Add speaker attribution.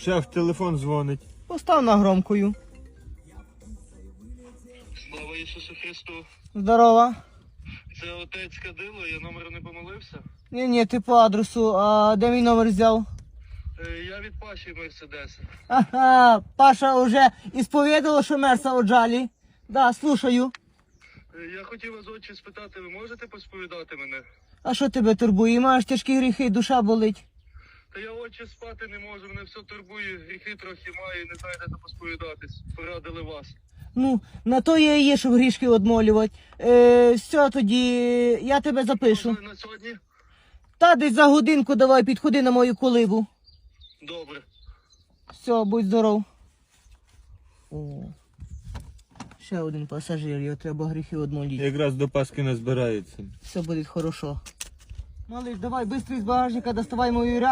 Speaker 1: Шеф, телефон дзвонить.
Speaker 2: Постав на громкою.
Speaker 3: Слава Ісусу Христу.
Speaker 2: Здорова.
Speaker 3: Це отець Кадило, я номер не помилився.
Speaker 2: Ні, ти по адресу. А де мій номер взяв?
Speaker 3: Я від Паші Мерседеса.
Speaker 2: Ага, Паша вже ісповідала, що мерса оджалі. Да, слушаю.
Speaker 3: Я хотів вас, отче, спитати, ви можете посповідати мене?
Speaker 2: А що тебе турбує? Маєш тяжкі гріхи, душа болить.
Speaker 3: Та я, отче, спати не можу, мене все турбує, гріхи трохи маю, не знаю, де посповідатись. Порадили вас.
Speaker 2: Ну, на то я і є, щоб грішки одмолювати. Все, тоді я тебе запишу.
Speaker 3: Можливо, на сьогодні?
Speaker 2: Та десь за годинку давай підходи на мою колибу.
Speaker 3: Добре.
Speaker 2: Все, будь здоров. О, ще один пасажир, його треба гріхи одмолити.
Speaker 1: Якраз до Пасхи назбирається.
Speaker 2: Все буде хорошо. Малиш, давай, швидко з багажника доставай мою